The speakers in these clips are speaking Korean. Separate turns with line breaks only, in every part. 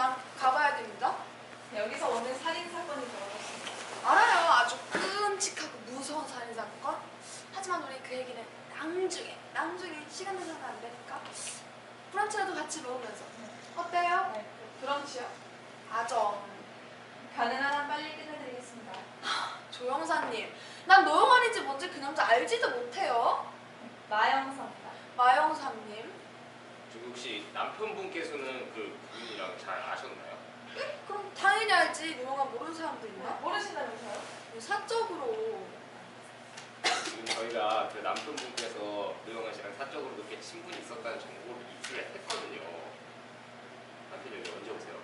저랑 가봐야 됩니다.
여기서 오늘 살인 사건이 벌어졌습니다.
알아요. 아주 끔찍하고 무서운 살인사건. 하지만 우리 그 얘기는 나중에 시간 내서는 안 되니까 브런치라도 같이 먹으면서 어때요?
네, 브런치요?
아정.
가능한 한 빨리 끝내드리겠습니다.
조영사님, 난 노영환인지 뭔지 그 남자 알지도 못해요.
마영사입니다.
마영사님.
저기 혹시 남편분께서는 그분이랑 잘 아셨나요?
네? 그럼 당연히 알지. 노영환 모르는 사람도 있나?
모르시다면서요?
사적으로.
지금 저희가 그 남편분께서 노영환 씨랑 사적으로 그렇게 친분이 있었다는 정보를 입수를 했거든요. 남편이 여기 언제 오세요?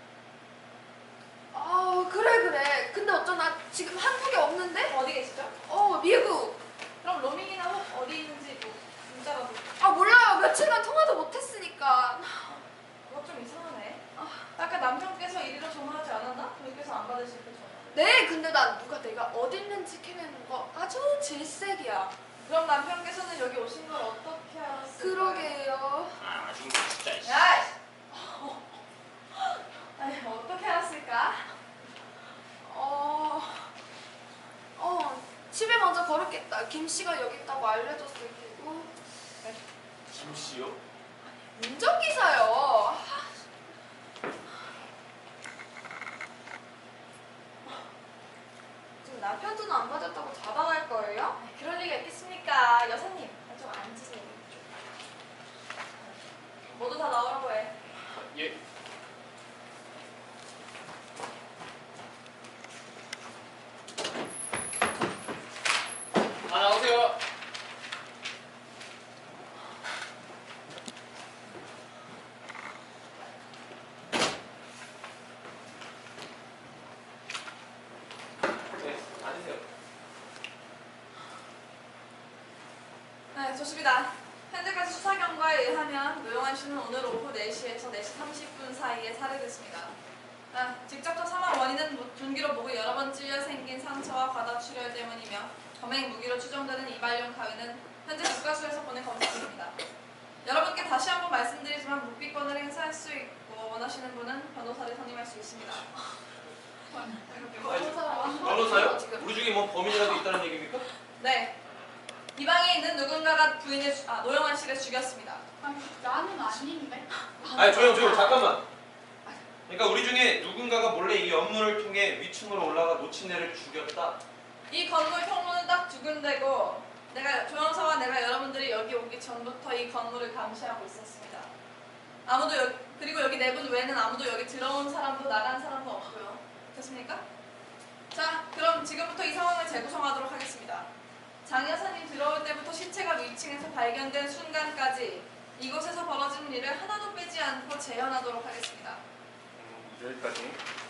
아 그래. 근데 어쩌나 지금 한국에 없는데?
어디 계시죠?
미국.
그럼 로밍이나 어디 있는지 뭐 문자라도.
아 몰라요. 며칠간 통화도 못했으니까.
그거 좀 이상하네. 아까 남편께서 이리로 전화하지 않았나? 저희께서 안 받으실 때 전화.
네, 근데 난 내가 어디 있는지 캐내는 거 아주 질색이야.
그럼 남편께서는 여기 오신 걸 어떻게 알았을까요?
그러게요.
아 진짜 씨.
야이! 아니, 어떻게 알았을까?
집에 먼저 걸었겠다. 김 씨가 여기 있다고 알려줬을 테고.
김 씨요?
운전기사요. 지금 남편 전화 안 받았다고 잡아갈 거예요?
그럴 리가 있겠습니까? 여사님, 좀 앉으세요. 모두 다 나오라고 해.
예. 나오세요. 네, 앉으세요.
네, 좋습니다. 현재까지 수사 결과에 의하면 노영환 씨는 오늘 오후 4시에서 4시 30분 사이에 살해됐습니다. 직접적 사망 원인은 둔기로 목을 여러 번 찔려 생긴 상처와 과다출혈 때문이며 범행 무기로 추정되는 이발용 가위는 현재 국가수에서 보낸 검사 중입니다. 여러분께 다시 한번 말씀드리지만 묵비권을 행사할 수 있고 원하시는 분은 변호사를 선임할 수 있습니다.
변호사요? 우리 중에 뭐 범인이라도 있다는 얘기입니까?
네. 이 방에 있는 누군가가 노영환 씨를 죽였습니다.
나는 아닌데.
아니 조용 잠깐만. 그러니까 우리 중에 누군가가 몰래 이 업무를 통해 위층으로 올라가 노친네를 죽였다.
이 건물 통로는 딱 두 군데고 조영서와 내가 여러분들이 여기 오기 전부터 이 건물을 감시하고 있었습니다. 그리고 여기 네 분 외에는 아무도 여기 들어온 사람도 나간 사람도 없고요. 됐습니까? 자, 그럼 지금부터 이 상황을 재구성하도록 하겠습니다. 장 여사님 들어올 때부터 시체가 위층에서 발견된 순간까지 이곳에서 벌어진 일을 하나도 빼지 않고 재현하도록 하겠습니다.
여기까지.